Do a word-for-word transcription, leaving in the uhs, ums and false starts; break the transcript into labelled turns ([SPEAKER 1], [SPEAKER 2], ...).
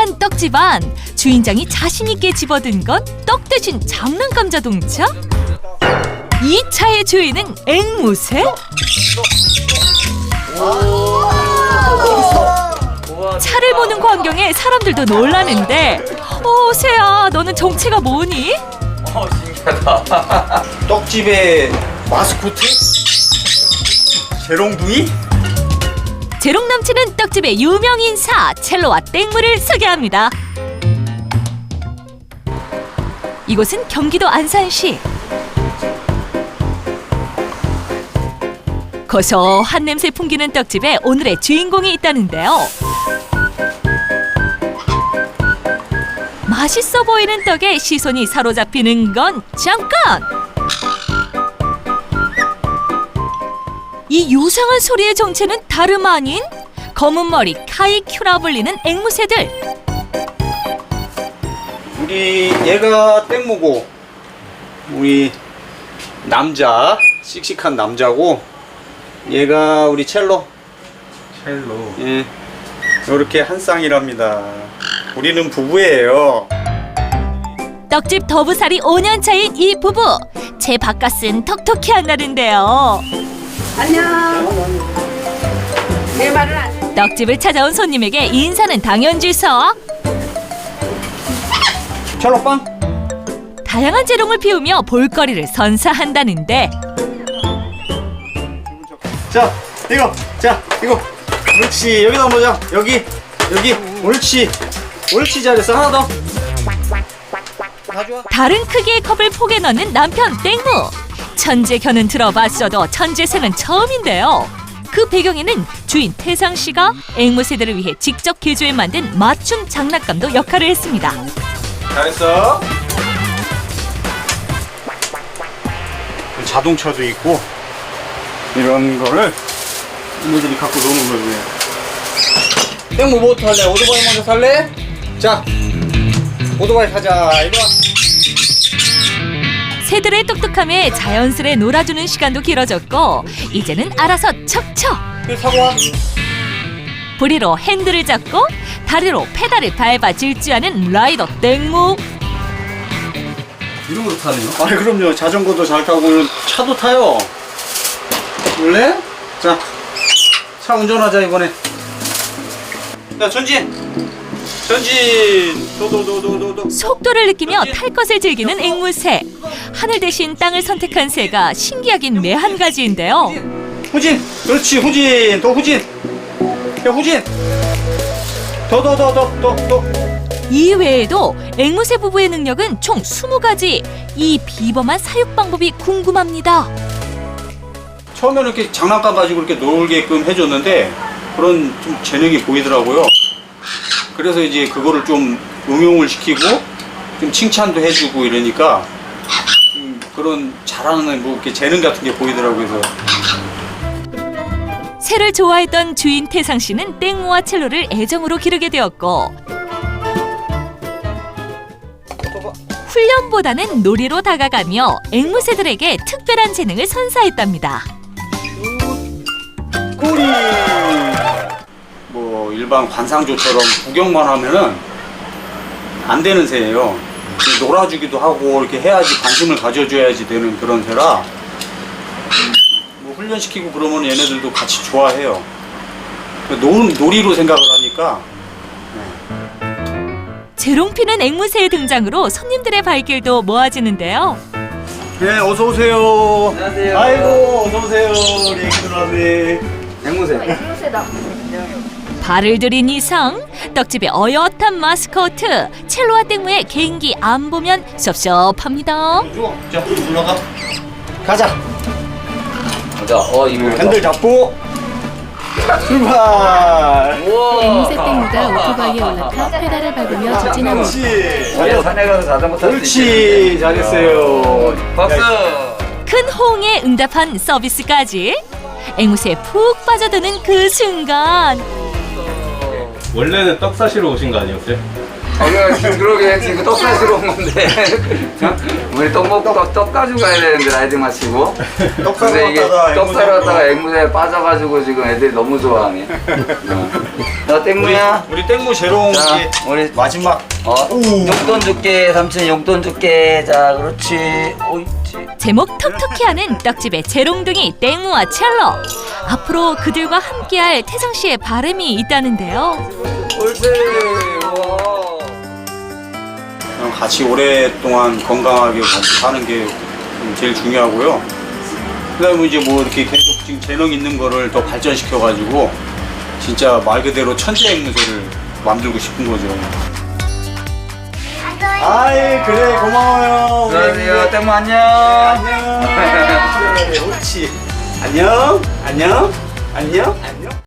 [SPEAKER 1] 푸짐한 떡집 안, 주인장이 자신있게 집어든 건 떡 대신 장난감 자동차? 이 차의 주인은 앵무새? 차를 보는 광경에 사람들도 놀라는데, 어, 새야, 너는 정체가 뭐니?
[SPEAKER 2] 어, 신기하다.
[SPEAKER 3] 떡집의 마스코트? 재롱둥이?
[SPEAKER 1] 재롱 넘치는 떡집의 유명 인사 첼로와 땡무를 소개합니다. 이곳은 경기도 안산시. 고소한 냄새 풍기는 떡집에 오늘의 주인공이 있다는데요. 맛있어 보이는 떡에 시선이 사로잡히는 건 잠깐! 이 요상한 소리의 정체는 다름 아닌 검은 머리 카이큐라 불리는 앵무새들.
[SPEAKER 3] 우리 얘가 땡무고 우리 남자 씩씩한 남자고 얘가 우리 첼로.
[SPEAKER 2] 첼로.
[SPEAKER 3] 예, 이렇게 한 쌍이랍니다. 우리는 부부예요.
[SPEAKER 1] 떡집 더부살이 오 년 차인 이 부부. 제 바깥은 톡톡히 한다는데요.
[SPEAKER 4] 안녕. 내 말을 안 해.
[SPEAKER 1] 떡집을 찾아온 손님에게 인사는 당연지서.
[SPEAKER 3] 첼로 빵.
[SPEAKER 1] 다양한 재롱을 피우며 볼거리를 선사한다는데,
[SPEAKER 3] 자, 이거, 자, 이거. 옳지. 여기다 놓자. 여기, 여기. 옳지. 옳지, 잘했어. 하나 더. 가져와.
[SPEAKER 1] 다른 크기의 컵을 포개 넣는 남편 땡무. 천재견은 들어봤어도 천재새는 처음인데요. 그 배경에는 주인 태상 씨가 앵무새들을 위해 직접 개조해 만든 맞춤 장난감도 역할을 했습니다.
[SPEAKER 3] 잘했어. 자동차도 있고 이런 거를 이모들이 갖고 노는 거예요. 땡모 뭐 탈래? 오토바이 먼저 살래? 자, 오토바이 타자. 이리 와.
[SPEAKER 1] 새들의 똑똑함에 자연스레 놀아주는 시간도 길어졌고, 이제는 알아서 척척!
[SPEAKER 3] 여기 타고 와.
[SPEAKER 1] 부리로 핸들을 잡고 다리로 페달을 밟아 질주하는 라이더 땡무.
[SPEAKER 2] 이런 것도 타네요?
[SPEAKER 3] 아, 그럼요. 자전거도 잘 타고 차도 타요. 원래? 자, 차 운전하자 이번에. 야, 전진. 전진. 도도도도도도.
[SPEAKER 1] 속도를 느끼며 탈 것을 즐기는 앵무새. 하늘 대신 땅을 선택한 새가 신기하긴 매한 가지인데요.
[SPEAKER 3] 후진. 그렇지. 후진. 더 후진. 야, 후진. 더 더 더 더 더 더.
[SPEAKER 1] 이 외에도 앵무새 부부의 능력은 총 스무 가지. 이 비범한 사육 방법이 궁금합니다.
[SPEAKER 3] 처음에는 이렇게 장난감 가지고 이렇게 놀게끔 해줬는데 그런 좀 재능이 보이더라고요. 그래서 이제 그거를 좀 응용을 시키고 좀 칭찬도 해주고 이러니까 좀 그런 잘하는 뭐 이렇게 재능 같은 게 보이더라고요. 그래서
[SPEAKER 1] 새를 좋아했던 주인 태상 씨는 땡무와 첼로를 애정으로 기르게 되었고, 훈련보다는 놀이로 다가가며 앵무새들에게 특별한 재능을 선사했답니다.
[SPEAKER 3] 꼬리. 뭐 일반 관상조처럼 구경만 하면은 안 되는 새예요. 놀아주기도 하고 이렇게 해야지 관심을 가져줘야지 되는 그런 새라 뭐 훈련시키고 그러면 얘네들도 같이 좋아해요. 놀, 놀이로 생각을 하니까.
[SPEAKER 1] 재롱피는 앵무새의 등장으로 손님들의 발길도 모아지는데요.
[SPEAKER 3] 네, 어서 오세요.
[SPEAKER 2] 안녕하세요.
[SPEAKER 3] 아이고, 어서 오세요. 우리 애기 누나네. 앵무새.
[SPEAKER 4] 앵무새다.
[SPEAKER 1] 발을 들인 이상 떡집의 어엿한 마스코트 첼로와 땡무의 개인기 안 보면 섭섭합니다.
[SPEAKER 3] 자, 올라가. 가자.
[SPEAKER 2] 자, 어, 이거.
[SPEAKER 3] 핸들 잡고 출발.
[SPEAKER 2] 우와.
[SPEAKER 5] 앵무새 땡무가 오토바이에 올라타 페달을 밟으며 직진합니다.
[SPEAKER 3] 그렇지.
[SPEAKER 2] 야, 산에 가서 자전거 탈 수
[SPEAKER 3] 그렇지.
[SPEAKER 2] 있겠네.
[SPEAKER 3] 잘했어요.
[SPEAKER 2] 박수.
[SPEAKER 1] 큰 호응에 응답한 서비스까지. 앵무새에 푹 빠져드는 그 순간,
[SPEAKER 6] 원래는 떡 사시러 오신 거 아니었어요?
[SPEAKER 2] 어, 지금 그러게 지금 떡 사시러 온 건데 우리 떡 먹고 떡, 떡 가지고 가야 되는데 라이딩 마치고
[SPEAKER 3] 떡 사러
[SPEAKER 2] 근데 이게
[SPEAKER 3] 갔다가
[SPEAKER 2] 떡 사러
[SPEAKER 3] 앵무새
[SPEAKER 2] 갔다가 앵무새에 빠져가지고 지금 애들이 너무 좋아하네. 어. 자
[SPEAKER 3] 우리,
[SPEAKER 2] 땡무야.
[SPEAKER 3] 우리 땡무 재롱
[SPEAKER 2] 자
[SPEAKER 3] 이제
[SPEAKER 2] 우리
[SPEAKER 3] 마지막
[SPEAKER 2] 어 용돈 줄게 삼촌 용돈 줄게. 자 그렇지. 옳지.
[SPEAKER 1] 제목 톡톡히하는 떡집의 재롱둥이 땡무와 첼로. 앞으로 그들과 함께할 태상 씨의 바람이 있다는데요.
[SPEAKER 2] 옳지. 우와.
[SPEAKER 3] 그냥 같이 오랫동안 건강하게 같이 사는 게 제일 중요하고요. 그다음에 이제 뭐 이렇게 계속 지금 재능 있는 거를 더 발전시켜 가지고 진짜 말 그대로 천재 앵무새를 만들고 싶은 거죠. 아이 그래 고마워요. 우리
[SPEAKER 2] 안녕하세요 땡무 안녕.
[SPEAKER 3] 안녕. 그래, 옳지. 안녕. 안녕. 안녕. 안녕.